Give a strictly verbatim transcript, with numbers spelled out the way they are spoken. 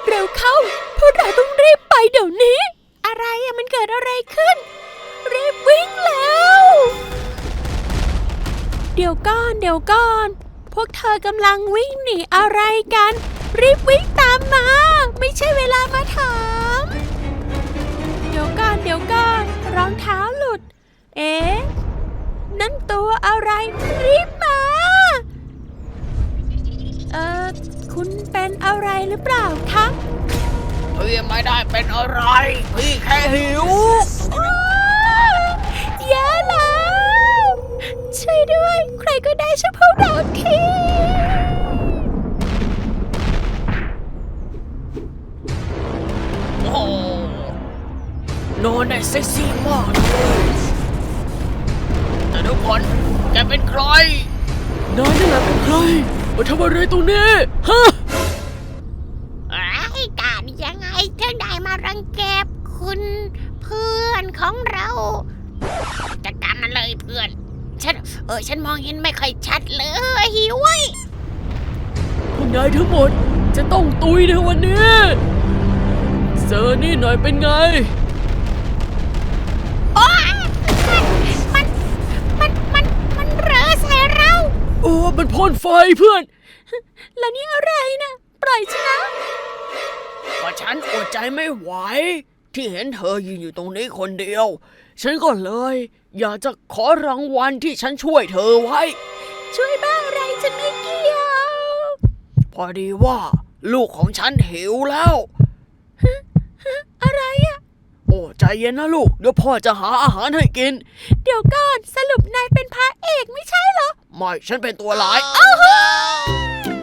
เร็วเข้าพวกเราต้องรีบไปเดี๋ยวนี้อะไรอะมันเกิดอะไรขึ้นรีบวิ่งแล้วเดี๋ยวก่อนเดี๋ยวก่อนพวกเธอกำลังวิ่งหนีอะไรกันรีบวิ่งตามมาไม่ใช่เวลามาถามเดี๋ยวก่อนเดี๋ยวก่อนรองเท้าหลุดเอ๊ะนั่นตัวอะไรรีบมาเอ่อคุณเป็นอะไรหรือเปล่าคะพี่ไม่ได้เป็นอะไรพี่แค่หิวแย่แล้วช่วยด้วยใครก็ได้ช่วยพวกเราทีโอ้นอนได้เซ็กซี่มากเลยแต่ทุกคนแกเป็นใครนายนี่แหละเป็นใครมาทำอะไรตรงนี้ฮะไอ้การยังไงถึงได้มารังแกคุณเพื่อนของเราจัดการมันเลยเพื่อนฉันเออฉันมองเห็นไม่ค่อยชัดเลยหิวไว้พวกนายทั้งหมดจะต้องตุยในวันนี้เซอร์นี่หน่อยเป็นไงโอ้ยมันมันมันมันเรอใส่เราโอ้มันพ่นไฟเพื่อนแล้วนี่อะไรนะปล่อยฉันนะก็ฉันอดใจไม่ไหวที่เห็นเธอยืนอยู่ตรงนี้คนเดียวฉันก็เลยอยากจะขอรางวัลที่ฉันช่วยเธอไว้ช่วยบ้าอะไรฉันไม่เกี่ยวพอดีว่าลูกของฉันหิวแล้วอะไรอะโอ้ใจเย็นนะลูกเดี๋ยวพ่อจะหาอาหารให้กินเดี๋ยวก่อนสรุปนายเป็นพระเอกไม่ใช่เหรอไม่ฉันเป็นตัวร้ายอ้าว